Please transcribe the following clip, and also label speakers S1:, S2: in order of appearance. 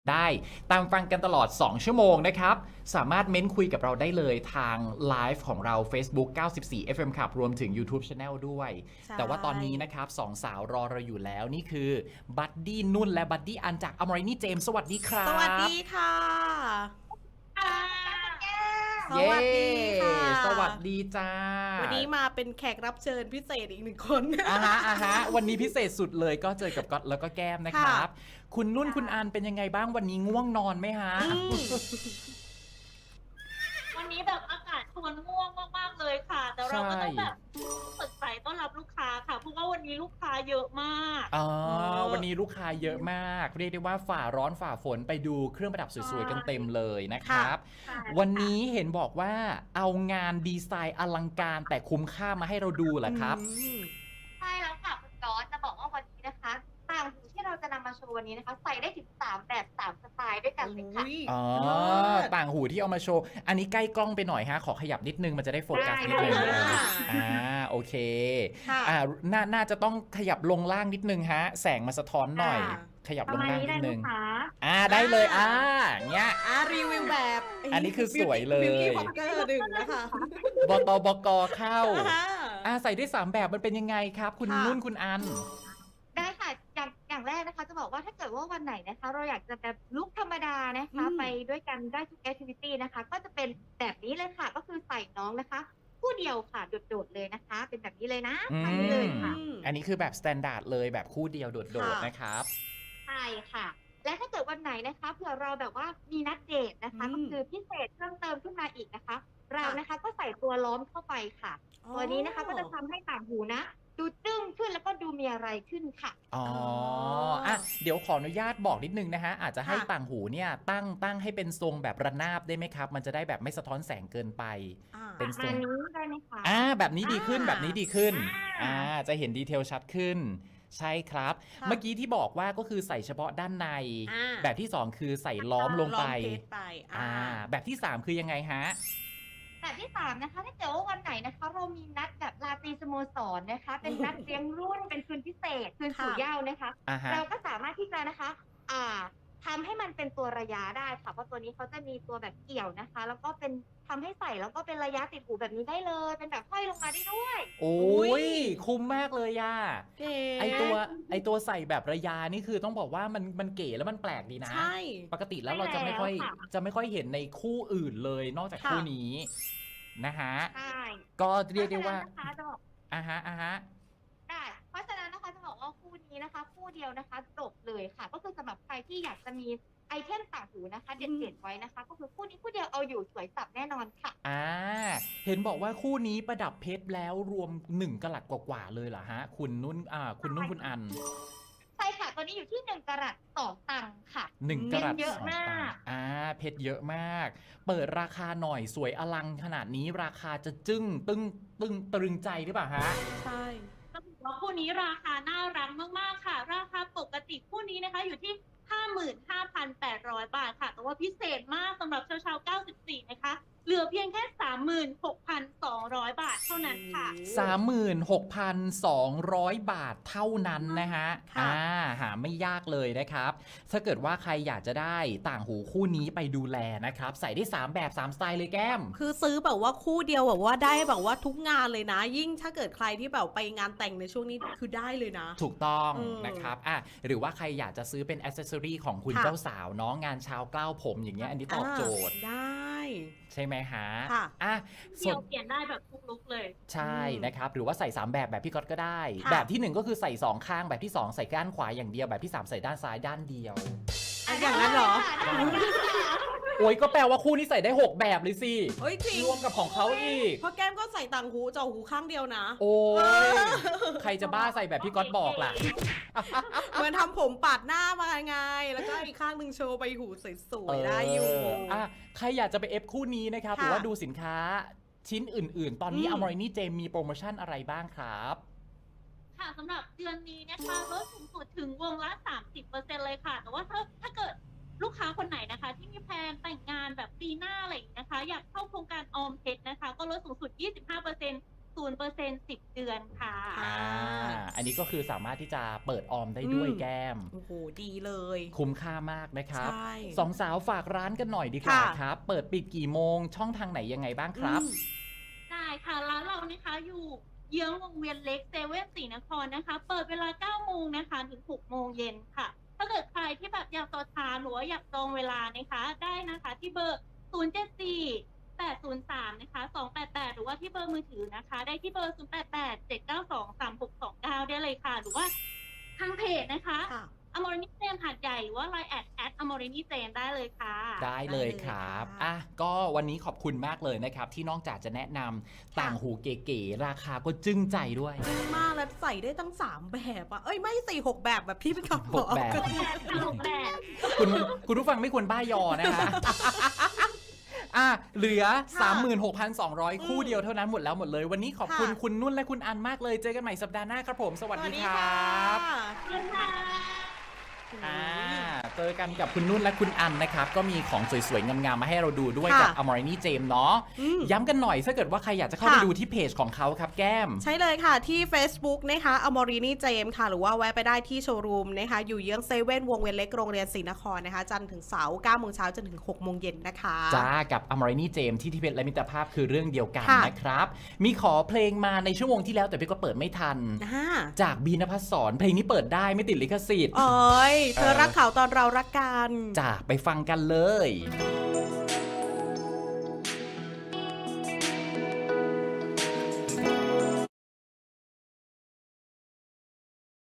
S1: ได้ตามฟังกันตลอด 2 ชั่วโมงนะครับ สามารถเม้นคุยกับเราได้เลยทางไลฟ์ของเรา Facebook 94 FM ครับรวมถึง YouTube Channel ด้วย แต่ว่าตอนนี้นะครับสองสาวรอเราอยู่แล้วนี่คือบัดดี้นุ่นและบัดดี้อันจากอมรินีเจมส์สวัสดีครับ
S2: สวัสดีค่ะส
S1: เย้
S2: วัสดีค่ะ
S1: สวัสดีจ้า
S2: วันนี้มาเป็นแขกรับเชิญพิเศษอีก1 คน
S1: อ่าฮะวันนี้พิเศษสุดเลยก็เจอกับก๊อตแล้วก็แก้มนะครับ คุณนุ่นคุณอันเป็นยังไงบ้างวันนี้ง่วงนอนไหมฮะ
S3: วันนี้แบบอากาศชวนง่วงมากๆเลยค่ะ แต่เราก็ต้องแบบสดใสต้อนรับลูกค้าค่ะเพราะว่าวันนี้ลูกค้าเยอะมาก
S1: วันนี้ลูกค้าเยอะมากเรียกได้ว่าฝ่าร้อนฝ่าฝนไปดูเครื่องประดับสวยๆกันเต็มเลยนะครับ วันนี้เห็นบอกว่าเอางานดีไซน์อลังการแต่คุ้มค่ามาให้เราดูเหรอครับ
S3: ใช่แล้วค่ะคุณก๊อตจะบอกว่าวันนี้นะคะต่างหูที่เราจะนำมาโชว์วันนี้นะคะใส่ได้ถึง3แบบ3สไตล์ด้วยกันเลยค่ะ
S1: อ๋อ ต่างหูที่เอามาโชว์ อันนี้ใกล้กล้องไปหน่อยฮะ ขอขยับนิดนึงมันจะได้โฟกัสนิดนึง โอเค น่าจะต้องขยับลงล่างนิดนึงฮะ แสงมาสะท้อนหน่อย ขยับลงล่างนิดนึง ได้เลย เงี้ย
S2: รีวิวแบบ
S1: อันนี้คือสวยเลย
S2: บิวตี้พ็อกเกอร์1นะคะ
S1: บตบกเข้า ใส่ได้3แบบมันเป็นยังไงครับ คุณนุ่นคุณอัน
S3: ได้ค่ะอย่างแรกนะคะจะบอกว่าถ้าเกิดว่าวันไหนนะคะเราอยากจะแบบลุคธรรมดานะคะไปด้วยกันได้ทุกแอคทิวิตี้นะคะก็จะเป็นแบบนี้เลยค่ะก็คือใส่น้องนะคะคู่เดียวค่ะโดดๆเลยนะคะเป็นแบบนี้เลยนะทำนี้เลยค่ะ
S1: อันนี้คือแบบสแตนดาร์ดเลยแบบคู่เดียวโดดๆนะครับ
S3: ใช่ค่ะและถ้าเกิดวันไหนนะคะเผื่อเราแบบว่ามีนัดเดทนะคะก็คือพิเศษเพิ่มเติมขึ้นมาอีกนะคะเรานะคะก็ใส่ตัวล้อมเข้าไปค่ะตัวนี้นะคะก็จะทำให้ต่างหูนะดูตึ้งขึ้นแล้วก็ดูมีอะไรขึ้นค่ะ
S1: เดี๋ยวขออนุญาตบอกนิดนึงนะฮะอาจจะให้ต่างหูเนี่ยตั้งให้เป็นทรงแบบระนาบได้ไหมครับมันจะได้แบบไม่สะท้อนแสงเกินไปเป็นทรง
S3: นี้ได้ไหมคะ
S1: แบบนี้ดีขึ้นแบบนี้ดีขึ้นจะเห็นดีเทลชัดขึ้นใช่ครับเมื่อกี้ที่บอกว่าก็คือใส่เฉพาะด้านในแบบที่2คือใส่ล้อมลงไปแบบที่3คือยังไงฮะ
S3: แบบที่3นะคะถ้าเกิดว่าวันไหนนะคะเรามีนัดแบบราตรีสโมสรนะคะเป็นนัดเลี้ยงรุ่นเป็นคืนพิเศษคืนสู่เหย้านะคะเราก็สามารถที่จะนะคะทำให้มันเป็นตัวระยะได้ค่ะเพราะตัวนี้เขาจะมีตัวแบบเกี่ยวนะคะแล้วก็เป็นทำให้ใส่แล้วก็เป็นระยะติดหูแบบนี้ได้เลยเป็นแบบห้อยลงมาได้ด้วย
S1: โอ้ยคุ้มมากเลยย่าไอตัวใส่แบบระยะนี่คือต้องบอกว่ามันเก๋แล้วมันแปลกดีนะปกติแล้วเราจะไม่ค่อยเห็นในคู่อื่นเลยนอกจากคู่นี้นะฮะก็เรียกได้ว่า
S3: ได้เพราะฉะนั้นนะคะจะบอกว่าคู่นี้นะคะคู่เดียวนะคะจบเลยค่ะก็คือสำหรับใครที่อยากจะมีไอเทมต่างหูนะคะเด็ดๆไว้นะคะก็คือคู่นี้คู่เดียวเอาอยู่สวยสับแน่นอนค่ะ
S1: เห็นบอกว่าคู่นี้ประดับเพชรแล้วรวม1 กะรัตกว่าๆเลยเหรอฮะคุณนุ่นคุณอัน
S3: ใช่ค่ะตอนนี้อยู่ที่1 กะรัต2 ตังค์ค่ะ
S1: 1 กะรัต
S3: เยอะมาก
S1: เพชรเยอะมากเปิดราคาหน่อยสวยอลังขนาดนี้ราคาจะจึ้งตึงตรึงใจหรือเปล่าฮะ
S2: ใช่
S3: ต้องบอกว่าคู่นี้ราคาน่ารักมากๆค่ะราคาปกติคู่นี้นะคะอยู่ที่ 55,800 บาทค่ะแต่ว่าพิเศษมากสำหรับชาว94นะคะเหลือเพียงแค่ 36,200 บาทเท่านั้นค่ะ
S1: 36,200 บาทเท่านั้นนะฮะหาไม่ยากเลยนะครับถ้าเกิดว่าใครอยากจะได้ต่างหูคู่นี้ไปดูแลนะครับใส่ได้3แบบ3สไตล์เลยแก้ม
S2: คือซื้อแบบว่าคู่เดียวแบบว่าได้แบบว่าทุกงานเลยนะยิ่งถ้าเกิดใครที่แบบไปงานแต่งในช่วงนี้คือได้เลยนะ
S1: ถูกต้องนะครับหรือว่าใครอยากจะซื้อเป็นแอคเซสซอรีของคุณเจ้าสาวเนาะงานเช้ากล้าวผมอย่างเงี้ยอันนี้ตอบโจทย์
S2: ได้
S1: ใช่ไหมฮะ
S3: เดี่ยวเปลี่ยนได้แบบทุกลุคเลย
S1: ใช่นะครับหรือว่าใส่3แบบพี่ก๊อตก็ได้แบบที่1ก็คือใส่2ข้างแบบที่2ใส่ด้านขวาอย่างเดียวแบบที่3ใส่ด้านซ้ายด้านเดียว
S2: อย่างนั้นเหรอ
S1: โอ้ยก็แปลว่าคู่นี้ใส่ได้6แบบเลยสิรวมกับของเขาอีก
S2: เพราะแก้มก็ใส่ต่างหูเจาะหูข้างเดียวนะ
S1: โอ้ยใครจะบ้าใส่แบบพี่ก๊อตบอกล่ะ
S2: เหมือนทำผมปาดหน้ามาไงแล้วก็อีกข้างหนึ่งโชว์ใบหูสวยๆได้อยู่
S1: ใครอยากจะไปเอฟคู่นี้นะครับหรือว่าดูสินค้าชิ้นอื่นๆตอนนี้อมรินีเจมมีโปรโมชั่นอะไรบ้างครับ
S3: ค่ะสำหรับเดือนนี้นะคะลดสูงสุดถึงวงละ 30% เลยค่ะแต่ว่าถ้าเกิดลูกค้าคนไหนนะคะที่มีแพลนแต่งงานแบบปีหน้าอะไรอย่างนี้นะคะอยากเข้าโครงการออมเพชรนะคะก็ลดสูงสุด 25%
S4: 0% 10 เดือนค่ะ
S1: อันนี้ก็คือสามารถที่จะเปิดออมได้ด้วยแก้ม
S2: โอ้โหดีเลย
S1: คุ้มค่ามากนะครับ
S2: ใช่
S1: สองสาวฝากร้านกันหน่อยดีกว่า
S2: ค่ะ
S1: ครับ เปิดปิดกี่โมงช่องทางไหนยังไงบ้างครับ
S4: ได้ค่ะร้านเรานะคะอยู่เยื้องวงเวียนเล็กเซเว่นศรีนครนะคะ เปิดเวลา 9 โมงนะคะถึง 6 โมงเย็นค่ะ ถ้าเกิดใครที่แบบอยากต่อทานหรือว่าอยากจองเวลานะคะได้นะคะที่เบอร์ 074 803 นะคะ 288 หรือว่าที่เบอร์มือถือนะคะ ได้ที่เบอร์ 088 792 3629 ได้เลยค่ะ หรือว่าทางเพจนะคะ
S2: ค่ะ
S4: อมรินีเจมหาดใหญ่หรือว่า Line แอดอมรินีเจมได้เลยค่ะ
S1: ได้เลยครับ
S2: ได้เลยค่ะ
S1: อ่ะก็วันนี้ขอบคุณมากเลยนะครับ ที่นอกจากจะแนะนำต่างหูเก๋ๆราคาก็จึ้งใจด้วย
S2: มากแล้วใส่ได้ตั้ง 3 แบบอ่ะ เอ้ย ไม่4 6 แบบแบบพี่เป็นคำ
S1: หกแบบ
S4: แบบ
S1: คุณผู้ฟังไม่ควรบ้ายอนะคะ อ่ะเหลือ 36,200 คู่เดียวเท่านั้นหมดแล้วหมดเลย วันนี้ขอบคุณ
S2: ค่ะ
S1: คุณนุ่นและคุณอันมากเลย เจอกันใหม่สัปดาห์หน้าครับผม สวัสดีครั
S2: ะ
S1: บ
S4: ขอบคุณค่ะ
S1: เจอกันกับคุณนุ่นและคุณอันนะครับ ก็มีของสวยๆ งามๆ มาให้เราดูด้วย
S2: ค่ะ
S1: กับ Amorini James เนาะ
S2: อืม
S1: ย้ำกันหน่อยถ้าเกิดว่าใครอยากจะเข้าไป
S2: ค่ะ
S1: ดูที่เพจของเขาครับแก้ม
S2: ใช่เลยค่ะที่ Facebook นะคะอมรินีเจมค่ะ หรือว่าแวะไปได้ที่โชว์รูมนะคะ อยู่เยื้องเซเว่นวงเวียนเล็กโรงเรียนศรีนครนะคะ จันทร์ถึงเสาร์9 โมงเช้าจนถึง 6 โมงเย็นนะคะ
S1: จ้ากับ Amorini James ที่เพชรและมิตรภาพคือเรื่องเดียวกัน
S2: ค่ะ
S1: นะครับ มีขอเพลงมาในชั่วโมงที่แล้วแต่พี่ก็เปิดไม่ทัน
S2: อ่า
S1: จากบีนภัสสรเพลงนี้เปิดได้ไม่ติดลิขสิทธิ์
S2: เอ้ยเธอรักเขาตอนเรารักกัน
S1: จ้าไปฟังกันเลย
S2: เ